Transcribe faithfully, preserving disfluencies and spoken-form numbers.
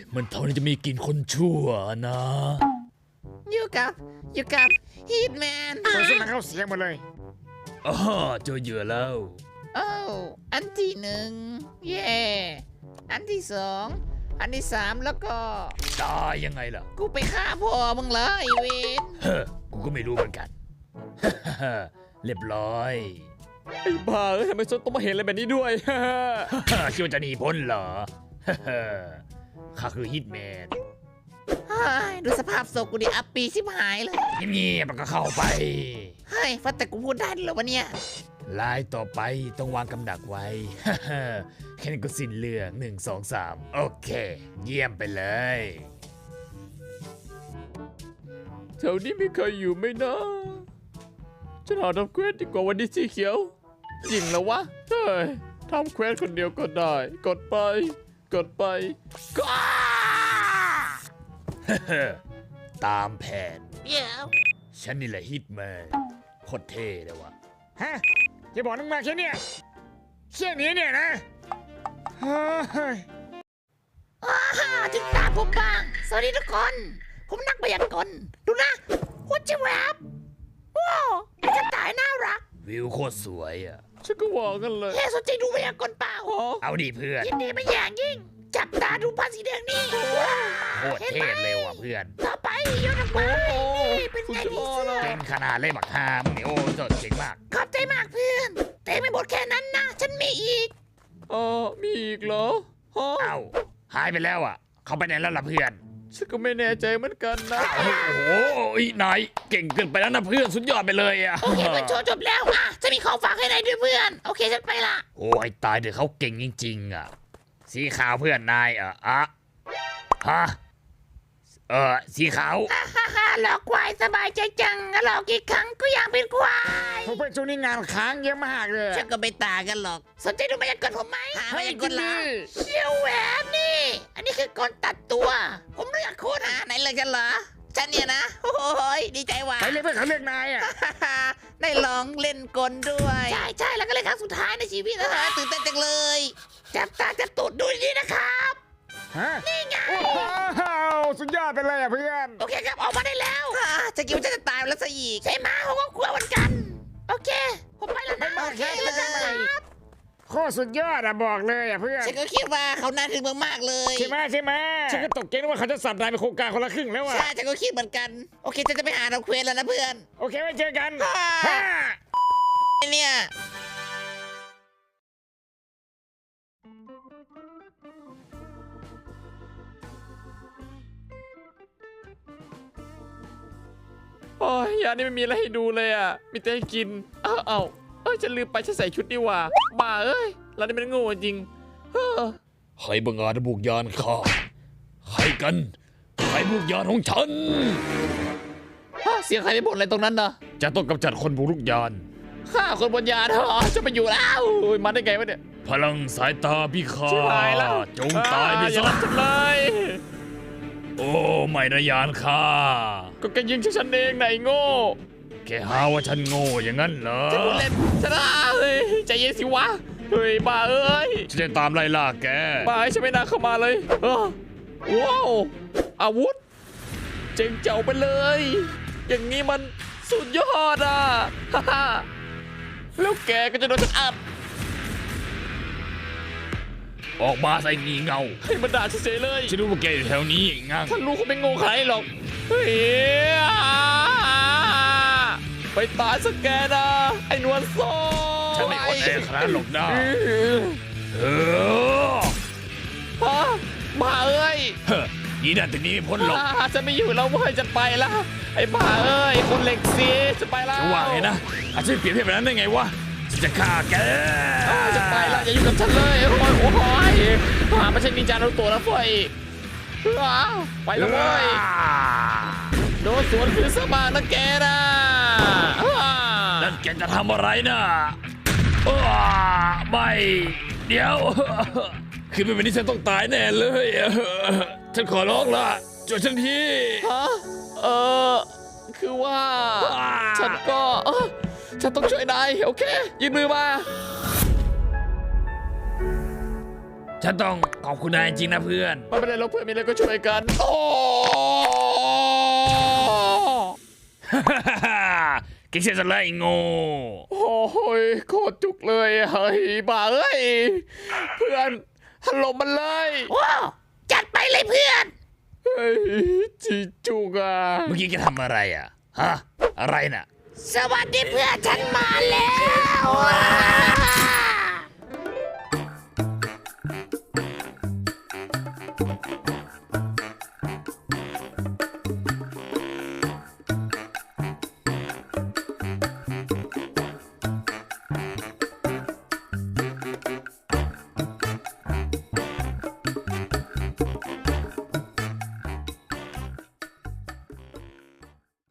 มันเท่านี้จะมีกลิ่นคนชั่วนะอยู่กับอยู่กับฮีทแมนโฆษณาเข้าเสียงหมดเลยอ๋อเจอเหยื่อแล้วโอ้อันที่หนึ่งเย่อันที่สองอันที่สามแล้วก็ตายยังไงล่ะกูไปฆ่าพ่อมึงเลยเวนเฮ้อกูก็ไม่รู้เหมือนกัน เรียบร้อยไอ้บ้าเอ้ยทำไมฉันต้องมาเห็นอะไรแบบนี้ด้วยคิดว่าจะหนีพ้นเหรอ ข้าคือฮิตแมนเฮ้ยดูสภาพศพกูดิอัปปีชิบหายเลยเงียบๆมันก็เข้าไปเฮ้ยฟัดแต่กูพูดได้เหรอวะเนี่ยลายต่อไปต้องวางกำดักไว้ แค่นี้ก็สิ้นเรื่องหนึ่งสองสามโอเค เยี่ยมไปเลยแถวนี้มีใครอยู่ไหมนะฉันหาทำเควสดีกว่าวันนี้สีเขียวจริงแล้ววะเฮ้ยทำเควสคนเดียวก็ได้ กดไป กดไปก็ตามแผนเดี๋ยวฉันนี่แหละฮิตแมนโคตรเท่เลยวะฮะจะบอกนึงมาแค่เนี้ยแค่นี้เนี่ยนะเฮ้ยอ้าถึงตาผมบ้าง สวัสดีทุกคน ผมนักพยากรณ์ดูนะหัวจะแวบว้าวไอ้กระต่ายน่ารักวิวโคตรสวยอ่ะฉันก็ว่ากันเลยเฮ้สนใจดูพยากรณ์เปล่าอ๋อเอาดิเพื่อนยินดีไม่อย่างยิ่ง จับตาดูผ้าสีแดงนี่ว้าวโคตรเท่เลยว่ะเพื่อนต่อไปโยนออกมานี่เป็นไงพี่เสื้อเก่งขนาดเล่บักฮามงเนี่ยโอ้สดเก่งมากขอบใจมากเพื่อน แต่ไม่หมดแค่นั้นนะ ฉันมีอีกเออมีอีกเหรอฮะเอ้าหายไปแล้วอ่ะ เขาไปไหนแล้วล่ะเพื่อนฉันก็ไม่แน่ใจเหมือนกันนะโอ้โหอีนายเก่งเกินไปแล้วนะเพื่อนสุดยอดไปเลยอ่ะโอเคเพื่อนโชว์จบแล้วอ่ะจะมีของฝากให้นายด้วยเพื่อน โอเคฉันไปละโอ้ยตายเดี๋ยวเขาเก่งจริงๆอ่ะ สีขาวเพื่อนนายอ่ะอะฮะเออสีขาวฮ่าฮ่าฮ่าหลอกควายสบายใจจังหลอกกี่ครั้งก็ยังเป็นควายผมไปช่วงนี้งานค้างเยอะมากเลยฉันก็ไม่ต่างกันหรอก สนใจดูพยากรณ์ผมไหมหาพให้ยากกิรนณ์ดิละเชี่ยวแหวนนี่ อันนี้คือกลตัดตัว ผมเลือกโค้ดหาไหนเลยกันเหรอ ฉันเนี่ยนะ โอ้ยดีใจว่ะไปเลยเพื่อนเขาเรียกนายอ่ะได้ลองเล่นกลด้วย ใช่ใช่แล้วก็เล่นครั้งสุดท้ายในชีวิตนะฮะตื่นเต้นจังเลย จับตาจับตูดดูดีนะครับฮะนี่ไงโอ้โหสุดยอดไปเลยอ่ะเพื่อนโอเคครับออกมาได้แล้วอ่าจะคิดว่าจะตายแล้วซะอีกใช่ไหมผมก็กลัวเหมือนกัน โอเค ผมไปแล้วนะบ๊ายบายโอเคครับแล้วกันครับโคตรสุดยอดอ่ะบอกเลยอ่ะเพื่อนฉันก็คิดว่าเขาน่าถึงมากๆเลยใช่ไหมใช่ไหมฉันก็ตกใจนึกว่าเขาจะสับนายเป็นโครงการคนละครึ่งแล้วอ่ะใช่ฉันก็คิดเหมือนกัน โอเคฉันจะไปหาเราเควสแล้วนะเพื่อนโอเคไว้เจอกันอ่าฮ่าไอ้เนี่ยโอ้ยยานี่ไม่มีอะไรให้ดูเลยอ่ะ มีแต่ให้กิน เอ้าเอ้าเอ้ยฉันลืมไปฉันใส่ชุดนี่หว่าบ้าเอ้ยเรานี่มันโง่จริงเฮ้อใครบังอาจบุกยานข้าใครกัน ใครบุกยานของฉันฮะเสียงใครไปบ่นอะไรตรงนั้นนะจะต้องกำจัดคนบุกรุกยานข้าคนบนยานเหรอจะไปอยู่แล้วโอ้ยมาได้ไงวะเนี่ยพลังสายตาพิฆาชิบหายแล้วตจงตายไปอ่อย่าซะรับฉันเลยโอ้ไม่นะยานข้าก็แกยิงฉันเองไหนโง่แกหาว่าฉันโง่อย่างนั้นเหรอจะพูดเล่นชนะเฮ้ยใจเย็นสิวะเฮ้ยบ้าเอ้ยฉันจะตามไล่ล่าแกบ้าให้ฉันไม่น่าเข้ามาเลยเออว้าวอาวุธ เจ๋งเจ๋วไปเลย อย่างนี้มันสุดยอดอ่ะฮ่าฮ่าแล้วแกก็จะโดนฉันอัดออกมาใส่งีเงาให้มันด่าเฉยๆเลยฉันรู้ว่าแกอยู่แถวนี้งั้งท่านรู้เขาไม่โง่ใครหรอกเฮ้ยไปตายสักแกนะไอ้นวลโซ่ฉันไม่อ่อนแอขนาดนั้นหรอกนะเออฮะบ้าเอ้ยเฮ้ยนี่นั่นถึงนี้ไม่พ้นหรอกอ่าจะไม่อยู่แล้วเว้ยจะไปแล้วไอ้บ้าเอ้ยคนเหล็กซีจะไปแล้วจะว่าไงนะอาจจะเปลี่ยนเพศแบบนั้นได้ไงวะฉันจะฆ่าแกอ่าจะไปแล้วอย่าอยู่กับฉันเลยโอ้ยโอ้ยหาไม่ใช่นินจาโนโตะนะเฟ้ยอ้าวไปแล้วเว้ยโดนสวนคือสมางนะแกนะอ่านั่นแกจะทำอะไรนะอ้าไม่เดี๋ยวคือเป็นแบบนี้ฉันต้องตายแน่เลยฉันขอร้องละช่วยฉันทีฮะเออคือว่าอ่าฉันก็เออฉันต้องช่วยนายโอเคยืนมือมาฉันต้องขอบคุณนายจริงนะเพื่อนไม่เป็นไรเราเพื่อนมีอะไรก็ช่วยกัน โอ้กินเสียสละไอ้โง่โอ้ยโคตรจุกเลยเฮ้ยบ้าเอ้ยเพื่อนถล่มมันเลยว้าวจัดไปเลยเพื่อนเฮ้ยจีจุกอ่ะเมื่อกี้แกทำอะไรอ่ะ ฮะ อะไรน่ะสวัสดีเพื่อนฉันมาแล้ว